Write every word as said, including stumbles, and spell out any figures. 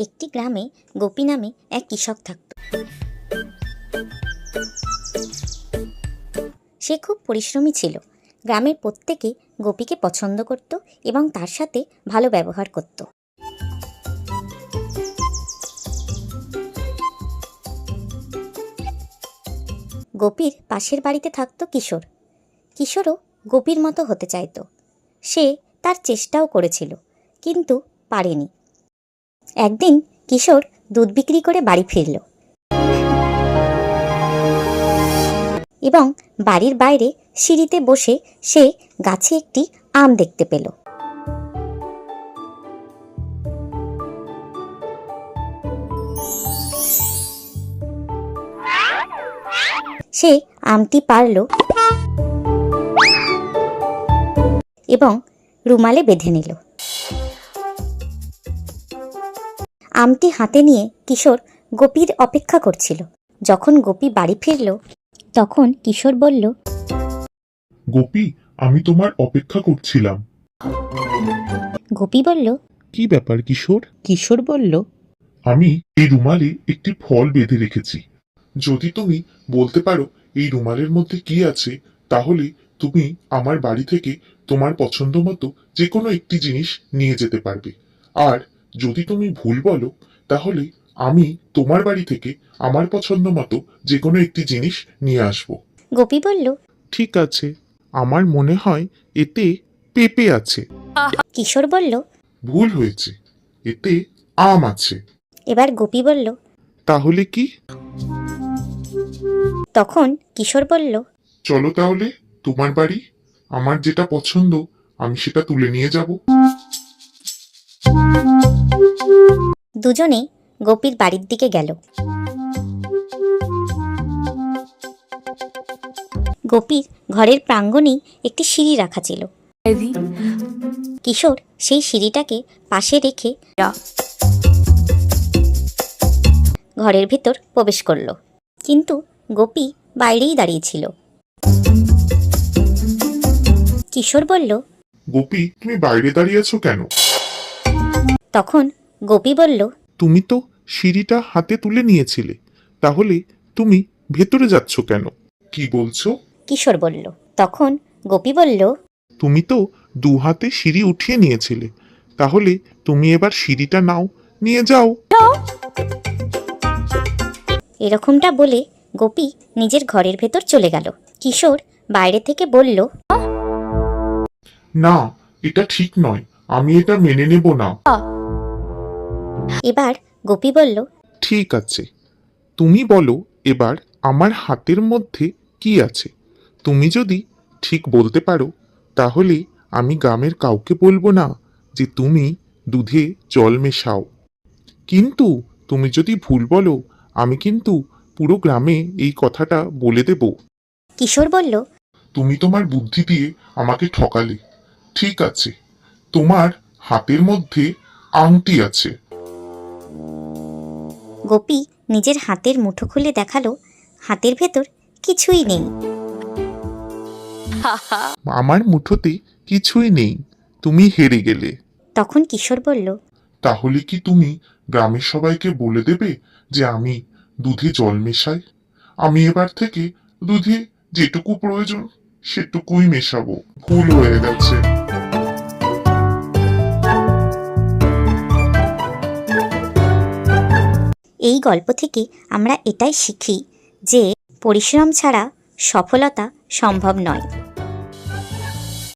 একটি গ্রামে গোপী নামে এক কৃষক থাকত। সে খুব পরিশ্রমী ছিল। গ্রামের প্রত্যেকে গোপীকে পছন্দ করত এবং তার সাথে ভালো ব্যবহার করত। গোপীর পাশের বাড়িতে থাকত কিশোর। কিশোরও গোপীর মতো হতে চাইত। সে তার চেষ্টাও করেছিল, কিন্তু পারেনি। একদিন কিশোর দুধ বিক্রি করে বাড়ি ফিরল এবং বাড়ির বাইরে সিঁড়িতে বসে সে গাছে একটি আম দেখতে পেল। সে আমটি পারল এবং রুমালে বেঁধে নিল। আমটি হাতে নিয়ে কিশোর গোপীর অপেক্ষা করছিল। যখন গোপী বাড়ি ফিরল তখন কিশোর বলল, গোপী, আমি তোমার অপেক্ষা করছিলাম। গোপী বলল, কি ব্যাপার কিশোর? কিশোর বলল, আমি এই রুমালে একটি ফল বেঁধে রেখেছি। যদি তুমি বলতে পারো এই রুমালের মধ্যে কি আছে, তাহলে তুমি আমার বাড়ি থেকে তোমার পছন্দ মতো যে কোনো একটি জিনিস নিয়ে যেতে পারবে। আর যদি তুমি ভুল বলো, তাহলে আমি তোমার বাড়ি থেকে আমার পছন্দ মতো যে কোনো একটি জিনিস নিয়ে আসব। গোপী বলল, ঠিক আছে, আমার মনে হয় এতে পেঁপে আছে। কিশোর বলল, ভুল হয়েছে, এতে আম আছে। এবার গোপী বলল, তাহলে কি? তখন কিশোর বলল, চলো তাহলে তোমার বাড়ি, আমার যেটা পছন্দ আমি সেটা তুলে নিয়ে যাব। দুজনে গোপীর বাড়ির দিকে গেল। গোপীর ঘরের প্রাঙ্গণেই একটি সিঁড়ি রাখা ছিল। কিশোর সেই সিঁড়িটাকে পাশে রেখে ঘরের ভিতর প্রবেশ করল, কিন্তু গোপী বাইরেই দাঁড়িয়েছিল। কিশোর বলল, গোপী, তুমি বাইরে দাঁড়িয়ে আছো কেন? তখন গোপী বলল, তুমি তো সিঁড়িটা হাতে তুলে নিয়েছিলে, তাহলে তুমি ভেতরে যাচ্ছ কেন? কি বলছো? কিশোর বলল। তখন গোপী বলল, তুমি তো দু হাতে সিঁড়ি উঠিয়ে নিয়েছিলে, তাহলে তুমি এবার সিঁড়িটা নাও, নিয়ে যাও। এরকমটা বলে গোপী নিজের ঘরের ভেতর চলে গেল। কিশোর বাইরে থেকে বলল, না, এটা ঠিক নয়, আমি এটা মেনে নেব না। এবার গোপী বলল, ঠিক আছে, তুমি বলো এবার আমার হাতের মধ্যে কি আছে। তুমি যদি ঠিক বলতে পারো, তাহলে আমি গ্রামের কাউকে বলবো না যে তুমি দুধে জল মেশাও। কিন্তু তুমি যদি ভুল বলো, আমি কিন্তু পুরো গ্রামে এই কথাটা বলে দেব। কিশোর বলল, তুমি তোমার বুদ্ধি দিয়ে আমাকে ঠকালে। ঠিক আছে, তোমার হাতের মধ্যে আংটি আছে। গোপী নিজের হাতের মুঠো খুলে দেখালো, হাতের ভেতর কিছুই নেই। আমার মুঠোতে কিছুই নেই, তুমি হেরে গেলে। তখন কিশোর বলল, তাহলে কি তুমি গ্রামের সবাইকে বলে দেবে যে আমি দুধে জল মেশাই? আমি এবার থেকে দুধে যেটুকু প্রয়োজন সেটুকুই মেশাবো। ভুল হয়ে গেছে। এই গল্প থেকে আমরা এটাই শিখি যে পরিশ্রম ছাড়া সফলতা সম্ভব নয়।